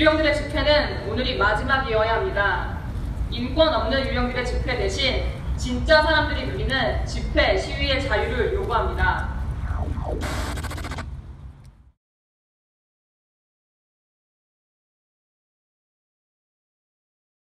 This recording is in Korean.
유령들의 집회는 오늘이 마지막이어야 합니다. 인권 없는 유령들의 집회 대신 진짜 사람들이 누리는 집회, 시위의 자유를 요구합니다.